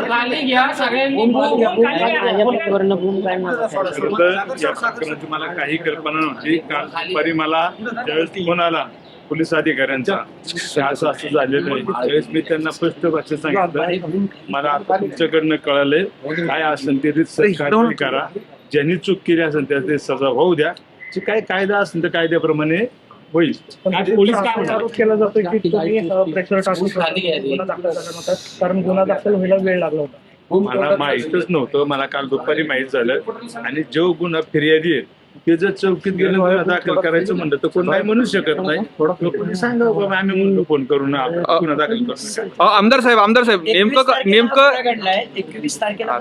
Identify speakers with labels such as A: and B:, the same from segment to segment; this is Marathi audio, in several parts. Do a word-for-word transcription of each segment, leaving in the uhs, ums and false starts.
A: मला काही कल्पना नव्हती. काल दुपारी मला ज्यावेळेस फोन आला पोलीस अधिकाऱ्यांचा असं असं झालेलं आहे, त्यावेळेस मी त्यांना स्पष्ट भाषेत सांगितलं मला आता तुमच्याकडनं कळालंय, काय असेल ते कारवाई करा, ज्यांनी चूक केली असेल त्याचे सजा होऊ द्या, जे काय कायदा असेल तर कायद्याप्रमाणे होईल.
B: पोलीस काय आरोप केला जातो की तुम्ही प्रेशर टाकून गुन्हा दाखल करणार कारण गुन्हा दाखल व्हायला वेळ लागला होता.
A: मला माहीतच नव्हतं, मला काल दुपारी माहीत झालं. आणि जो गुन्हा फिर्यादी आहे ते जर चौकीत गेलं गुन्हा दाखल करायचं म्हणलं तर कोण नाही म्हणू शकत नाही. कोणी सांगा बाबा आम्ही म्हणतो फोन करून गुन्हा दाखल करू.
C: आमदार साहेब आमदार साहेब नेमकं नेमकं
D: एकवीस तारखेला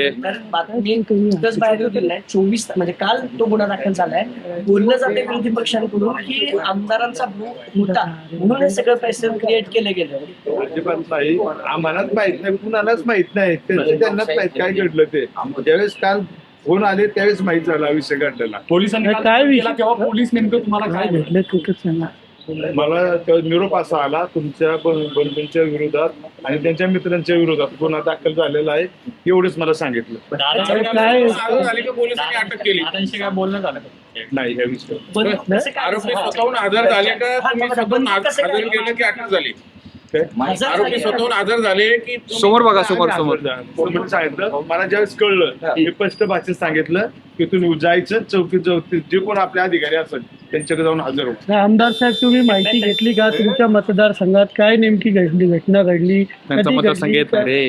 D: चोवीस म्हणजे काल तो गुन्हा दाखल झालाय. बोललं जाते विरोधी पक्षांकडून की आमदारांचा होता म्हणून हे सगळं पैसे क्रिएट केले गेले.
A: अजिबात नाही, आम्हालाच माहित नाही, कुणालाच माहित नाही, त्यांनाच माहित काय घडलं ते. ज्यावेळेस काल फोन आले त्यावेळेस माहित झाला विषय घडलेला.
B: पोलिसांनी काय तेव्हा पोलीस नेमकं तुम्हाला काय भेटलं?
A: मला निरोप असा आला तुमच्या बंधूंच्या विरोधात आणि त्यांच्या मित्रांच्या विरोधात गुन्हा दाखल झालेला आहे, एवढंच मला सांगितलं.
E: पोलिसांनी अटक केली काय बोलणं झालं
A: नाही या विषय
E: आरोपी स्वतःहून हजर झाले का तुम्ही स्वतःहून हजर केलं की अटक झाली? आरोपी स्वतःहून हजर झाले की
C: समोर बघा समोर समोर
A: सांगितलं. मला ज्यावेळेस कळलं मी स्पष्ट भाषेत सांगितलं की तुम्ही जायचं चौकीत जाऊ, जे कोण आपले अधिकारी असतात त्यांच्याकडे जाऊन हजर हो.
B: आमदार साहेब तुम्ही माहिती घेतली का तुमच्या मतदारसंघात काय नेमकी घडली घटना घडली?
C: मतदारसंघ येत नाही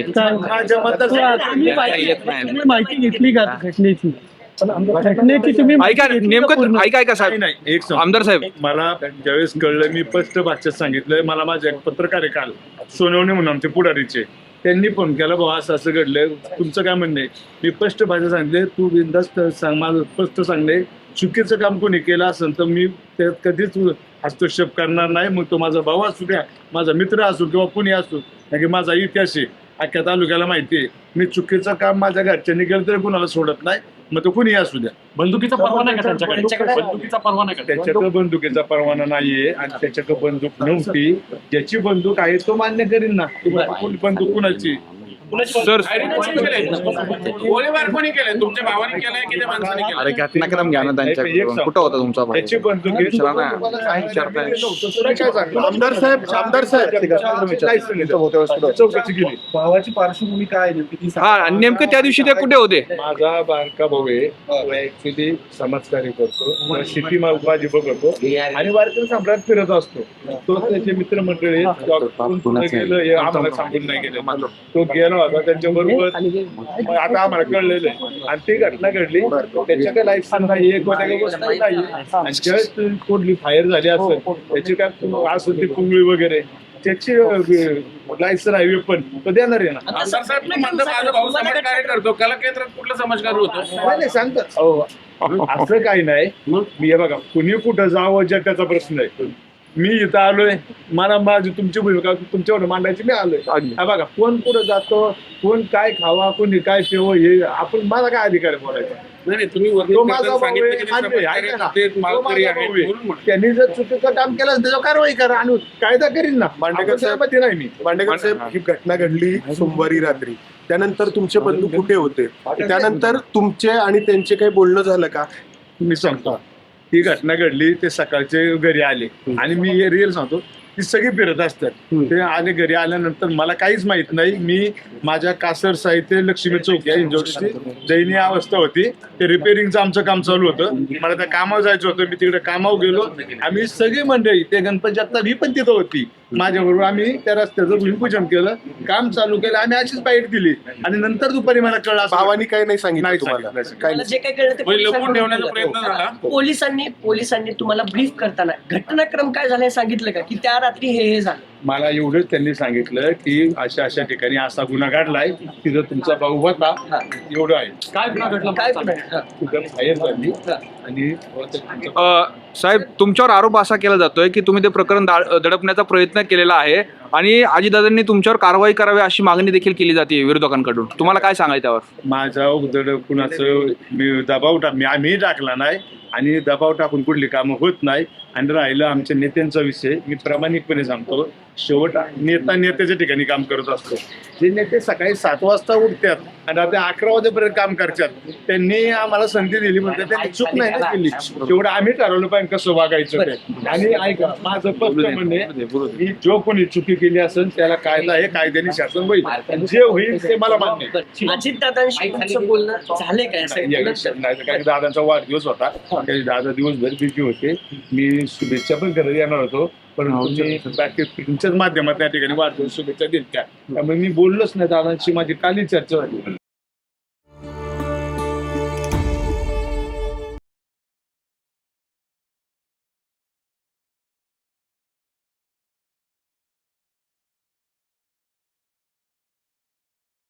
B: माहिती घेतली का घटनेची? घटनेची तुम्ही
C: ऐका नेमकं ऐका ऐका साहेब
A: नाही एक
C: आमदार साहेब
A: मला ज्यावेळेस कळलं मी स्पष्ट भाषेत सांगितलं. मला माझे एक पत्रकार आहे काल सोनवणे म्हणून आमचे पुढारीचे, त्यांनी फोन केला बाबा असं असं घडलंय तुमचं काय म्हणणं आहे. मी स्पष्ट भाषेत सांगितले तू बिनधास्त सांग, माझं स्पष्ट सांगणे चुकीचं काम कोणी केलं असेल तर मी त्यात कधीच हस्तक्षेप करणार नाही. मग तो माझा भाऊ असू द्या, माझा मित्र असू किंवा कोणी असू, कारण की माझा इतिहास आहे अख्ख्या तालुक्याला माहिती आहे. मी चुकीचं काम माझ्या घरच्यांनी केलं तरी कुणाला सोडत नाही, मग तो कुणी असू द्या.
B: बंदुकीचा परवाना आहे का त्यांच्याकडे? बंदुकीचा परवाना आहे का?
A: त्याच्याकडे बंदुकीचा परवाना नाहीये आणि त्याच्याकडे बंदूक नव्हती. ज्याची बंदूक आहे तो मान्य करीन ना. बंदूक कुणाची?
C: सर
E: गोळीबार कोणी केलाय? तुमच्या भावाने केलाय की त्या माणसाने केलाय?
C: अरे घटनाक्रम घ्या ना त्यांच्याकडून. कुठं होता तुमचा भाऊ?
A: त्याची बंदूक
F: आमदार साहेब आमदार साहेब
A: चौकशी केली.
F: भावाची पार्श्वभूमी काय नेमकी?
C: हा आणि नेमकं त्या दिवशी ते कुठे होते?
A: माझा बारका भाऊ आहे, ऍक्च्युली समाजकार्य करतो, शेती माझी बघतो आणि वारकरी सम्राट फिरत असतो. तो त्याचे मित्रमंडळी गेलं आम्हाला सांगून नाही गेलं, तो गेला होता त्यांच्याबरोबर. आता आम्हाला कळलेलं आहे आणि ती घटना घडली. त्याच्या काही लायसन नाही, एक वस्तू नाही. आणि ज्यावेळेस कुठली फायर झाली असेल त्याची काय असेल ती कुंगळी वगैरे त्याची लायसन आहे पण तो देणार आहे ना.
E: आमदार साहेब मी म्हणतो माझा भाऊ समाज कार्य करतो, कला केंद्रात कुठला समाजकार होतो?
A: नाही सांगतात असं काही नाही. मी हे बघा कुणी कुठं जावं ज्या त्याचा प्रश्न आहे. मी इथं आलोय, मला माझी तुमची भूमिका तुमच्यावर मांडायची, मी आलोय. बघा कोण कुठं जातो, कोण काय खावा, कोणी काय ठेव, हे आपण माझा काय अधिकार आहे बोलायचा?
E: नाही तुम्ही
A: त्यांनी जर चुकीचं काम केलं त्याच्यावर कारवाई करा आणि कायदा करीन ना.
F: मांडेकर साहेब
A: नाही मी
F: मांडेकर साहेब ही घटना घडली सोमवारी रात्री. त्यानंतर तुमचे बंधू कुठे होते? त्यानंतर तुमचे आणि त्यांचे काही बोलणं झालं का?
A: मी सांगतो ही घटना घडली, ते सकाळचे घरी आले आणि मी हे रिअल सांगतो ती सगळी फिरत असतात. ते आले घरी आल्यानंतर मला काहीच माहित नाही. मी माझ्या कासर साहित्य लक्ष्मी चौक या इंजोरची दयनीय अवस्था होती. ते रिपेअरिंगचं आमचं काम चालू होतं. मला त्या कामावर जायचं होतं. मी तिकडे कामावर गेलो. आम्ही सगळी मंडळी ते गणपती जगताप ही पण तिथं होती माझ्याबरोबर. आम्ही त्या रस्त्याचं भूमिपूजन केलं, काम चालू केलं, आम्ही अशीच बाईट दिली आणि नंतर दुपारी मला कळलं
F: भावानी काही नाही सांगितलं तुम्हाला?
D: जे काही कळलं ते
E: लपून ठेवण्याचा प्रयत्न झाला.
D: पोलिसांनी पोलिसांनी तुम्हाला ब्रीफ करताना घटनाक्रम काय झाला हे सांगितलं का की त्या रात्री हे हे झालं?
A: मला एवढंच त्यांनी सांगितलं की अशा अशा ठिकाणी असा गुन्हा घडलाय, तिथं तुमचा भाऊ होता, एवढं आहे.
B: काय गुन्हा घडला?
D: काय
A: फायर झाली आणि
C: साहेब तुमच्यावर आरोप असा केला जातोय की तुम्ही ते प्रकरण दडपण्याचा प्रयत्न केलेला आहे. आणि अजितदादांनी तुमच्यावर कारवाई करावी अशी मागणी देखील केली जाते विरोधकांकडून. तुम्हाला काय सांगायचं त्यावर?
A: माझा उदड कुणाचं मी दबाव टाक मी आम्ही टाकला नाही आणि दबाव टाकून कुठली कामं होत नाही. आणि राहिलं आमच्या नेत्यांचा विषय, मी प्रामाणिकपणे सांगतो, शेवट नेता नेत्याच्या ठिकाणी काम करत असतो. जे नेते सकाळी सात वाजता उठतात आणि रात्री अकरा वाजेपर्यंत काम करतात, त्यांनी आम्हाला संधी दिली म्हणजे त्यांनी चूक नाही ना केली. शेवट आम्ही ठरवलं पाहिजे कसं वागायचं ते. आणि ऐका, माझं स्पष्ट म्हणणे, की जो कोणी चुकी केली असेल त्याला कायदा हे कायद्याने शासन होईल, जे होईल ते मला मान्य आहे.
D: अजित दादांशी तुमचं बोलणं झाले काय असं
A: या विषयात नाही तर काही दादांचा वाढदिवस होता, काही दादा दिवसभर बिझी होते. मी शुभेच्छा पण करत येणार होतो, पण तुम्ही बाकी तुमच्याच माध्यमात त्या ठिकाणी वाढदिवस शुभेच्छा दिल्या, त्यामुळे मी बोललोच नाही. दादांशी माझी काली चर्चा झाली.